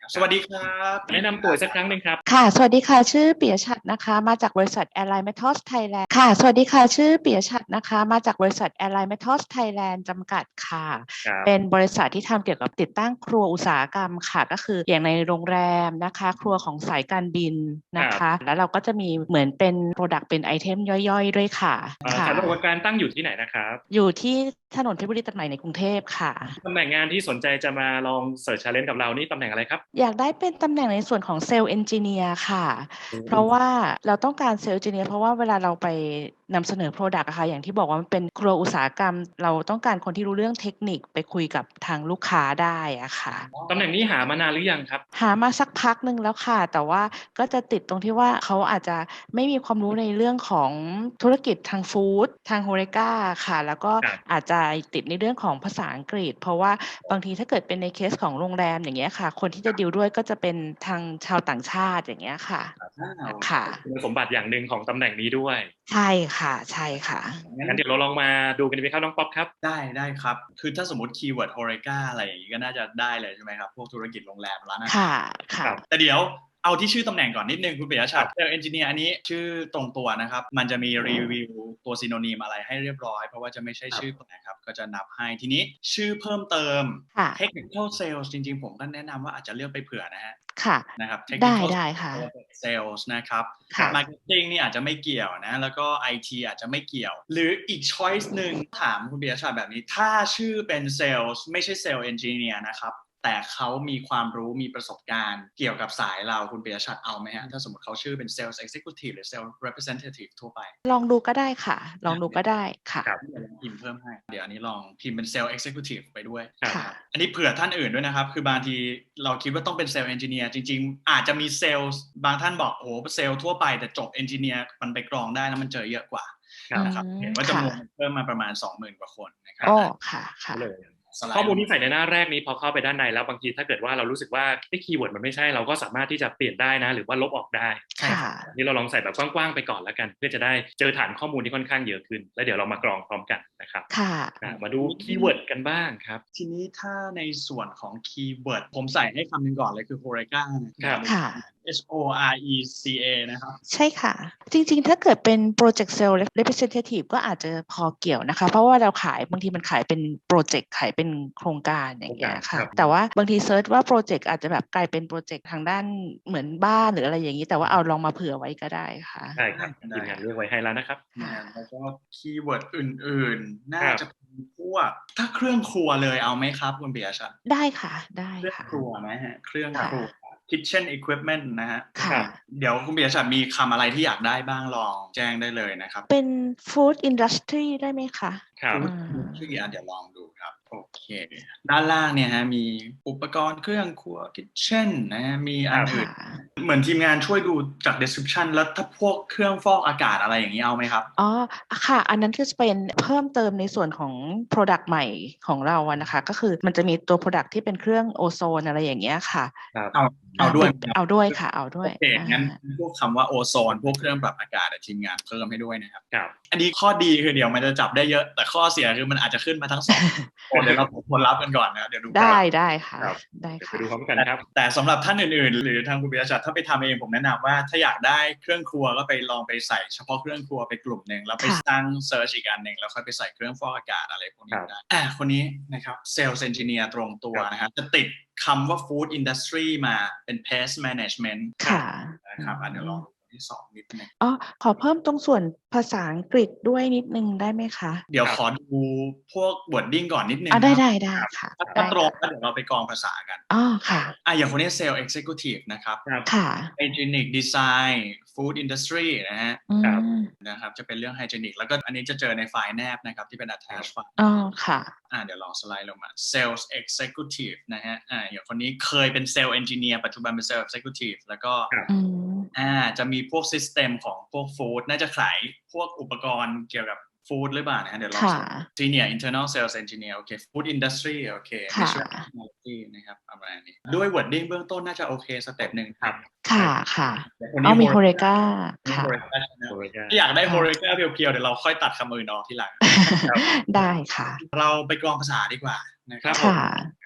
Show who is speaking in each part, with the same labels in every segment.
Speaker 1: สวัสดีครับ
Speaker 2: แนะนำตัวสักครั้งหนึ่งครับ
Speaker 3: ค่ะสวัสดีค่ะชื่อปิยะฉัตรนะคะมาจากบริษัท Airline Metals Thailand ค่ะสวัสดีค่ะชื่อปิยะฉัตรนะคะมาจากบริษัท Airline Metals Thailand จำกัดค่ะเป็นบริษัทที่ทำเกี่ยวกับติดตั้งครัวอุตสาหกรรมค่ะก็คืออย่างในโรงแรมนะคะครัวของสายการบินนะคะแล้วเราก็จะมีเหมือนเป็น Product เป็นไอเทมย่อยๆด้วยค่ะ
Speaker 2: สำนักงานตั้งอยู่ที่ไหนนะครับ
Speaker 3: อยู่ที่ถนนเพชรบุรีตัดใหม่ในกรุงเทพค่ะ
Speaker 2: ตำแหน่งงานที่สนใจจะมาลองเสิร์ช challenge กับเรานี่ตำแหน่งอะไรครับ
Speaker 3: อยากได้เป็นตำแหน่งในส่วนของเซลล์เอนจิเนียร์ค่ะเพราะว่าเราต้องการเซลล์เอนจิเนียร์เพราะว่าเวลาเราไปนำเสนอ Product อะค่ะอย่างที่บอกว่ามันเป็นครัวอุตสาหกรรมเราต้องการคนที่รู้เรื่องเทคนิคไปคุยกับทางลูกค้าได้อะค่ะ
Speaker 2: ตำแหน่งนี้หามานานหรือยังครับ
Speaker 3: หามาสักพักหนึ่งแล้วค่ะแต่ว่าก็จะติดตรงที่ว่าเขาอาจจะไม่มีความรู้ในเรื่องของธุรกิจทางฟู้ดทางโฮเรกาค่ะแล้วก็อาจจะติดในเรื่องของภาษาอังกฤษเพราะว่าบางทีถ้าเกิดเป็นในเคสของโรงแรมอย่างเงี้ยค่ะคนที่จะดีลด้วยก็จะเป็นทางชาวต่างชาติอย่างเงี้ยค่ะค่ะ
Speaker 2: คุณสมบัติอย่างหนึ่งของตำแหน่งนี้ด้วย
Speaker 3: ใช่ค่ะใช่ค่ะ
Speaker 2: งั้นเดี๋ยวเราลองมาดูกันดีไหมครับน้องป๊อปครับ
Speaker 1: ได้ครับคือถ้าสมมติคีย์เวิร์ดโฮเรกาอะไรอย่างนี้ก็น่าจะได้เลยใช่ไหมครับพวกธุรกิจโรงแรมร้านอาหาร
Speaker 3: ค่ะ
Speaker 1: แต่เดี๋ยวเอาที่ชื่อตำแหน่งก่อนนิดนึงคุณปิยะฉัตรเซลล์เอนจิเนียร์อันนี้ชื่อตรงตัวนะครับมันจะมีรีวิวตัวซีโนนีมอะไรให้เรียบร้อยเพราะว่าจะไม่ใช่ชื่อนะครับก็จะนับให้ทีนี้ชื่อเพิ่มเติม Technical Sales จริงๆผมก็แนะนำว่าอาจจะเลือกไปเผื่อนะฮะ
Speaker 3: ค่ะ
Speaker 1: นะครับ
Speaker 3: ได้
Speaker 1: Technical
Speaker 3: ค่ะ
Speaker 1: Sales นะครับ
Speaker 3: ค่ะ
Speaker 1: Marketing นี่อาจจะไม่เกี่ยวนะแล้วก็ IT อาจจะไม่เกี่ยวหรืออีก choice หนึ่งถามคุณปิยะฉัตรแบบนี้ถ้าชื่อเป็น Sales ไม่ใช่ Sales Engineer นะครับแต่เขามีความรู้มีประสบการณ์เกี่ยวกับสายเราคุณปิยะฉัตรเอาไหมฮะถ้าสมมติเขาชื่อเป็น Sales Executive หรือ Sales Representative ทั่วไป
Speaker 3: ลองดูก็ได้ค่ะลองดูก็ได้ค่ะ
Speaker 1: เดี๋ยวลองพิมพ์เพิ่มให้เดี๋ยวอันนี้ลองพิมพ์เป็น Sales Executive ไปด้วย
Speaker 3: ค่ะ
Speaker 1: อันนี้เผื่อท่านอื่นด้วยนะครับคือบางทีเราคิดว่าต้องเป็น Sales Engineer จริงๆอาจจะมี Sales บางท่านบอกโอ้โห Sales ทั่วไปแต่จบ Engineer มันไปกรองได้นะมันเจอเยอะกว่านะครับเห็นว่าจำนวนเพิ่มมาประมาณ 20,000 กว่าคนนะครับ
Speaker 3: ค่ะ
Speaker 2: ข้อมูลที่ใส่ในหน้าแรกนี้พอเข้าไปด้านในแล้วบางทีถ้าเกิดว่าเรารู้สึกว่าคีย์เวิร์ดมันไม่ใช่เราก็สามารถที่จะเปลี่ยนได้นะหรือว่าลบออกได้นี่เราลองใส่แบบกว้างๆไปก่อนแล้วกันเพื่อจะได้เจอฐานข้อมูลที่ค่อนข้างเยอะขึ้นแล้วเดี๋ยวเรามากรองพร้อมกันนะครับมาดูคีย์เวิร์ดกันบ้างครับ
Speaker 1: ทีนี้ถ้าในส่วนของคีย์เวิร์ดผมใส่ให้คำหนึ่งก่อนเลยคือ Horeca
Speaker 2: ครับ
Speaker 1: HORECA นะครับ
Speaker 3: ใช่ค่ะจริงๆถ้าเกิดเป็น Project Sales Representative ก็อาจจะพอเกี่ยวนะคะเพราะว่าเราขายบางทีมันขายเป็นโปรเจกต์ขายเป็นโครงการอย่างเงี้ยค่ะแต่ว่าบางทีเซิร์ชว่าโปรเจกต์อาจจะแบบกลายเป็นโปรเจกต์ทางด้านเหมือนบ้านหรืออะไรอย่างนี้แต่ว่าเอาลองมาเผื่อไว้ก็ได้ค่ะ
Speaker 2: ใช่ครับทีมงานเลือกไว้ให้แล้วนะครับ
Speaker 1: แล้วก็คีย์เวิร์ดอื่นๆน่าจะเป็นพวกถ้าเครื่องครัวเลยเอาไหมครับคุณปิยะฉัตร
Speaker 3: ได้ค่ะได้
Speaker 1: เครื่อง
Speaker 3: ค่ะ
Speaker 1: ครัวไหมฮะเครื่องครัวkitchen equipment นะฮะ
Speaker 3: ค่ะ
Speaker 1: เดี๋ยวคุณปิยะฉัตรมีคำอะไรที่อยากได้บ้างลองแจ้งได้เลยนะครับ
Speaker 3: เป็น food industry ได้ไหมคะ
Speaker 1: food industry เดี๋ยวลองดูครับโอเคด้านล่างเนี่ยฮะมีอุปกรณ์เครื่องครัว kitchen นะฮะมีอันอื่นเหมือนทีมงานช่วยดูจาก description แล้วถ้าพวกเครื่องฟอกอากาศอะไรอย่างนี้เอาไหมครับ
Speaker 3: อ๋อค่ะอันนั้นคือจะเป็นเพิ่มเติมในส่วนของ Product ใหม่ของเราอะนะคะก็คือมันจะมีตัว Product ที่เป็นเครื่องโอโซนอะไรอย่างเงี้ยค่ะ
Speaker 1: เอาด้วย
Speaker 3: ค่ะเอาด้วย
Speaker 1: โอเคงั้นพวกคำว่าโอโซนพวกเครื่องปรับอากาศทีมงานเพิ่มให้ด้วยนะครับอันนี้ข้อดีคือเดี๋ยวมันจะจับได้เยอะแต่ข้อเสียคือมันอาจจะขึ้นมาทั้งสองเดี๋ยวเราผลลัพธ์กันก่อนนะเดี๋ยวดู
Speaker 3: ได้ค่ะได้ค่ะ
Speaker 2: ไปดูพร้อมกันครับ
Speaker 1: แต่สำหรับท่านอื่นๆหรือทางคุณปิยะฉัตรถ้าไปทำเองผมแนะนำว่าถ้าอยากได้เครื่องครัวก็ไปลองไปใส่เฉพาะเครื่องครัวไปกลุ่มหนึ่งแล้วไปตั้งเซิร์ชอีกอันหนึ่งแล้วค่อยไปใส่เครื่องฟอกอากาศอะไรพวกนี้ได้คนนี้นะครับเซลล์เอนจิเนียร์ตรงตัวนะครับจะติดคำว่า food industry มาเป็น pest management นะครับเดี๋ยวลองที่2นิดนึง
Speaker 3: ขอเพิ่มตรงส่วนภาษาอังกฤษด้วยนิดนึงได้ไหมคะ
Speaker 1: เดี๋ยวขอดูพวก wording ก่อนนิดนึง
Speaker 3: ได้ค่ะ
Speaker 1: ถ้าตรงแล้วเดี๋ยวเราไปกรองภาษากัน
Speaker 3: ค่ะ
Speaker 1: อย่างคนนี้ Sales Executive นะครับ
Speaker 3: ค่ะ
Speaker 1: Hygienic Design Food Industry นะฮะนะครับจะเป็นเรื่อง Hygienic แล้วก็อันนี้จะเจอในไฟล์แนบนะครับที่เป็น attach ไฟล์
Speaker 3: ค่ะ
Speaker 1: เดี๋ยวลองสไลด์ลงมา Sales Executive นะฮะอย่างคนนี้เคยเป็น Sales Engineer ปัจจุบันเป็น Sales Executive แล้วก็จะมีพวก System ของพวก Food น่าจะขายพวกอุปกรณ์เกี่ยวกับ Food หรือเปล่านะเดี๋ยวลอง Senior Internal Sales Engineer โอเค Food Industry โอเคไม่ใช่ Technology นะครับประมาณนี้ด้วย wording เบื้องต้นน่าจะโอเคสเต็ปหนึ่งครับ
Speaker 3: ค่ะมีโฮเรกาค่ะ
Speaker 1: ถ้าอยากได้โฮเรกาเพียวๆเดี๋ยวเราค่อยตัดคำอื่นออกทีหลัง
Speaker 3: ได้ค่ะ
Speaker 1: เราไปกรองภาษาดีกว่านะครับ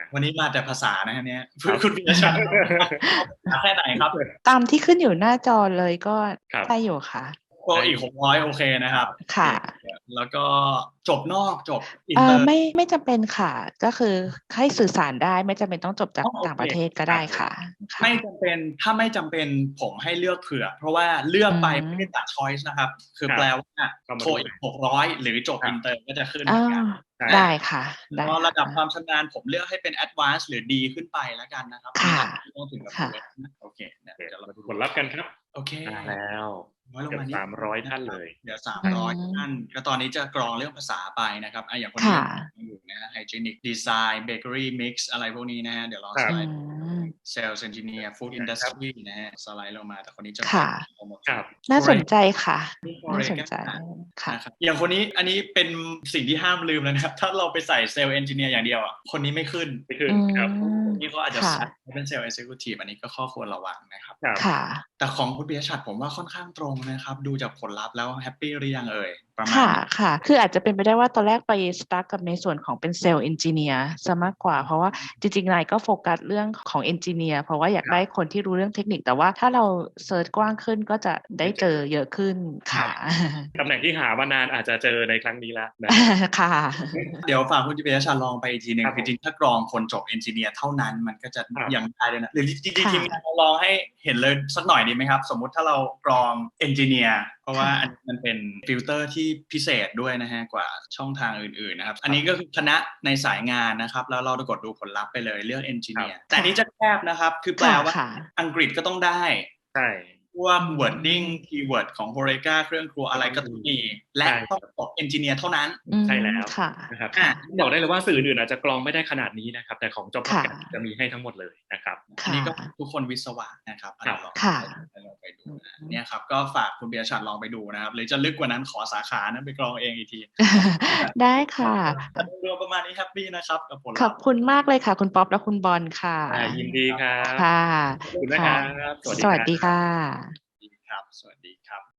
Speaker 1: วันนี้มาแต่ภาษานะฮะเนี่ยคุณปิยชัดแค่ไหนครับ
Speaker 3: ตามที่ขึ้นอยู่หน้าจอเลยก็ได้อยู่ค่ะ
Speaker 1: ก็อีก600โอเคนะครับ
Speaker 3: ค่ะ
Speaker 1: แล้วก็จบนอกจบอินเตอร์
Speaker 3: ไม่จำเป็นค่ะก็คือให้สื่อสารได้ไม่จำเป็นต้องจบจากต่างประเทศก็ได้ค่ะ
Speaker 1: ไม่จำเป็นถ้าไม่จำเป็นผมให้เลือกเผื่อเพราะว่าเลือกไปไม่ได้ตัด choice นะครับคือแปลว่าโทรอีก600หรือจบอินเตอร์ก็จะขึ้นเหมือนกัน
Speaker 3: ได้ค่ะ
Speaker 1: ก็ระดับความชำนาญผมเลือกให้เป็น advanced หรือดีขึ้นไปแล้วกันนะครับ
Speaker 3: ค่ะ
Speaker 1: ต้องถึงกับโอเคเดี๋ยวเรา
Speaker 2: ดูผลลัพธ์กันครับ
Speaker 1: โอเค
Speaker 2: แล้วเกือบ300ท่านเลย
Speaker 1: เดี๋ยว300ท่านก็ตอนนี้จะกรองเรื่องภาษาไปนะครับอย่างคนนี้อยู่นะ hygienic design bakery mix อะไรพวกนี้นะฮะเดี๋ยวลองสไลด์ sales engineer food industry นะฮะสไลด์ลงมาแต่คนนี้จะ
Speaker 3: น่าสนใจค่ะน่าสนใจค่ะ
Speaker 1: อย่างคนนี้อันนี้เป็นสิ่งที่ห้ามลืมเลยนะครับถ้าเราไปใส่ sales engineer อย่างเดียวอ่ะคนนี้ไม่ขึ้นครับนี่ก็อาจจะเป็น sales executive อันนี้ก็ข้อควรระวังนะครับแต่ของคุณปิยชัดผมว่าค่อนข้างตรงนะครับดูจากผลลัพธ์แล้วแฮปปี้หรือยังประมาณ
Speaker 3: ค่ะคืออาจจะเป็นไปได้ว่าตอนแรกไปสตาร์ทกับในส่วนของเป็นเซลล์เอนจิเนียร์ซะมากกว่าเพราะว่าจริงๆนายก็โฟกัสเรื่องของเอนจิเนียร์เพราะว่าอยากได้คนที่รู้เรื่องเทคนิคแต่ว่าถ้าเราเซิร์ชกว้างขึ้นก็จะได้เจอเยอะขึ้นค่ะ
Speaker 2: ตำแหน่งที่หามานานอาจจะเจอในครั้งนี้แล้ว
Speaker 3: ค่ะ
Speaker 1: เดี๋ยวฝากคุณปิยชัดลองไปอีกทีนึงจริงๆถ้ากรองคนจบเอนจิเนียร์เท่านั้นมันก็จะยังได้เลยนะหรือจริงๆทีมงานลองให้เห็นเลยสักหน่อยดีไหมครับสมมุติถ้าเรากรองเอนจิเนียร์เพราะว่ามันเป็นฟิลเตอร์ที่พิเศษด้วยนะฮะกว่าช่องทางอื่นๆนะครับอันนี้ก็คือคณะในสายงานนะครับแล้วเรากดดูผลลัพธ์ไปเลยเลือกเอนจิเนียร์แต่นี้จะแคบนะครับคือแปลว่าอังกฤษก็ต้องได้
Speaker 2: ใช่
Speaker 1: พวก wording keyword ของ Horeca เครื่องครัวอะไรก็ต้องมีและต้องตก engineer เท่านั้น
Speaker 2: ใช่แล้วนะครับบอกได้เลยว่าสื่ออื่นอาจจะกรองไม่ได้ขนาดนี้นะครับแต่ของ Job Market จะมีให้ทั้งหมดเลยนะครับ
Speaker 1: อันนี้ก็ทุกคนวิศวะนะครับลองไปดูเนี่ยครับก็ฝากคุณปิยชัดลองไปดูนะครับหรือจะลึกกว่านั้นขอสาขานั้นไปกรองเองอีกที
Speaker 3: ได้ค่ะ
Speaker 1: รวมประมาณนี้แฮปปี้นะครับกับผล
Speaker 3: ขอบคุณมากเลยค่ะคุณป๊อปและคุณบอลค่ะ
Speaker 2: ยินดีครับ
Speaker 3: ค่ะ
Speaker 2: ขอบคุณนะครับ
Speaker 3: สวัสดีค่ะ
Speaker 1: ครับสวัสดีครับ